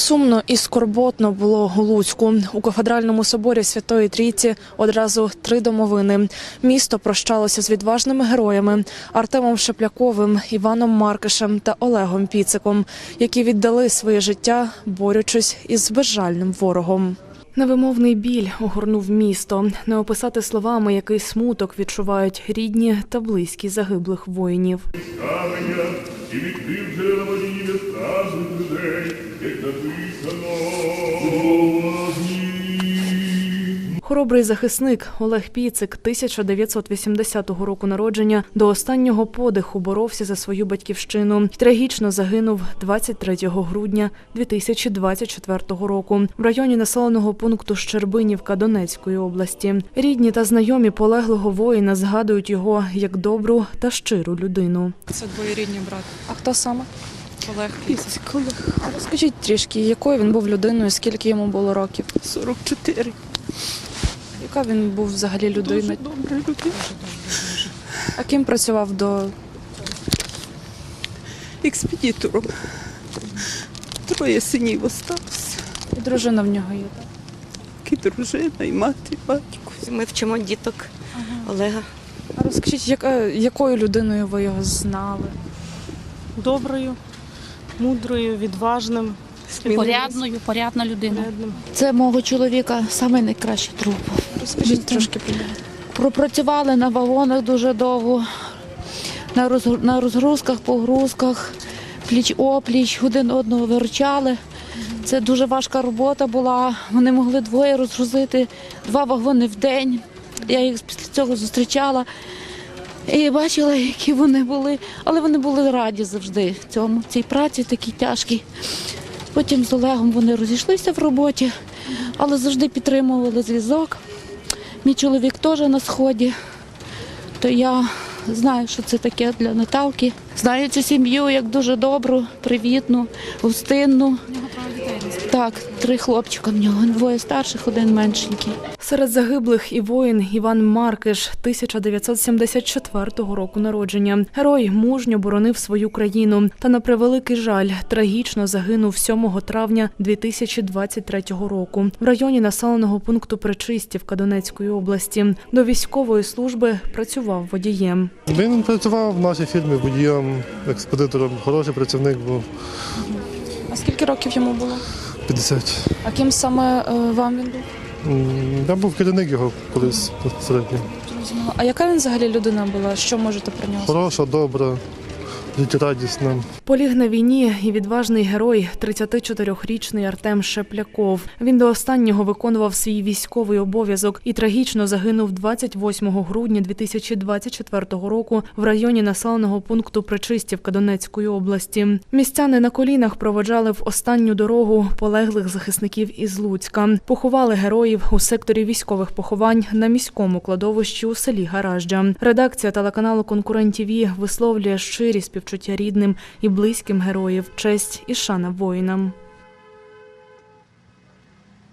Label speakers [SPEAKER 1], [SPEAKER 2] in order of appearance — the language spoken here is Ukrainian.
[SPEAKER 1] Сумно і скорботно було у Луцьку. У кафедральному соборі Святої Трійці одразу 3 домовини. Місто прощалося з відважними героями Артемом Шепляковим, Іваном Маркишем та Олегом Піциком, які віддали своє життя, борючись із безжальним ворогом. Невимовний біль огорнув місто. Не описати словами, який смуток відчувають рідні та близькі загиблих воїнів.
[SPEAKER 2] І відкрив джерела водії безказних людей, як написано.
[SPEAKER 1] Хоробрий захисник Олег Піцик 1980 року народження до останнього подиху боровся за свою батьківщину. І трагічно загинув 23 грудня 2024 року в районі населеного пункту Щербинівка Донецької області. Рідні та знайомі полеглого воїна згадують його як добру та щиру людину.
[SPEAKER 3] Це двоюрідний брат.
[SPEAKER 1] А хто саме?
[SPEAKER 3] Олег Піцик.
[SPEAKER 1] Розкажіть трішки, якою він був людиною, скільки йому було років?
[SPEAKER 3] 44.
[SPEAKER 1] Яка він був взагалі людина?
[SPEAKER 3] Дуже добра людина.
[SPEAKER 1] А ким працював до...
[SPEAKER 3] Експедитором. 3 синів остався.
[SPEAKER 1] І дружина в нього є, так?
[SPEAKER 3] І дружина, і мати, і батько.
[SPEAKER 4] Ми вчимо діток Олега.
[SPEAKER 1] А розкажіть, якою людиною ви його знали?
[SPEAKER 5] Доброю, мудрою, відважним,
[SPEAKER 6] Порядна людина.
[SPEAKER 5] порядним.
[SPEAKER 7] Це мого чоловіка саме найкращий друг.
[SPEAKER 1] Розкажіть трошки про нього.
[SPEAKER 7] Пропрацювали на вагонах дуже довго, на розгрузках, погрузках, пліч-опліч, один одного виручали. Це дуже важка робота була. Вони могли 2 розгрузити 2 вагони в день. Я їх після цього зустрічала і бачила, які вони були. Але вони були раді завжди цій праці такій тяжкій. Потім з Олегом вони розійшлися в роботі, але завжди підтримували зв'язок. Мій чоловік теж на Сході, то я знаю, що це таке для Наталки. Знаю цю сім'ю як дуже добру, привітну, гостинну. Так, 3 хлопчика в нього, 2 старших, 1 меншенький.
[SPEAKER 1] Серед загиблих і воїн Іван Маркиш 1974 року народження. Герой мужньо боронив свою країну та, на превеликий жаль, трагічно загинув 7 травня 2023 року в районі населеного пункту Пречистівка Донецької області. До військової служби працював водієм.
[SPEAKER 8] Він працював в нашій фірмі водієм, експедитором, хороший працівник був.
[SPEAKER 1] А скільки років йому було?
[SPEAKER 8] 50.
[SPEAKER 1] А ким саме вам він був?
[SPEAKER 8] Я був керівник його колись безпосередньо.
[SPEAKER 1] А яка він взагалі людина була? Що можете про нього сказати?
[SPEAKER 8] Хороша, добра, життєрадісна.
[SPEAKER 1] Поліг на війні і відважний герой 34-річний Артем Шепляков. Він до останнього виконував свій військовий обов'язок і трагічно загинув 28 грудня 2024 року в районі населеного пункту Пречистівка Донецької області. Містяни на колінах проводжали в останню дорогу полеглих захисників із Луцька. Поховали героїв у секторі військових поховань на міському кладовищі у селі Гаражджа. Редакція телеканалу «Конкурент ТВ» висловлює щирі співчуття рідним і близьким героїв, честь і шана воїнам.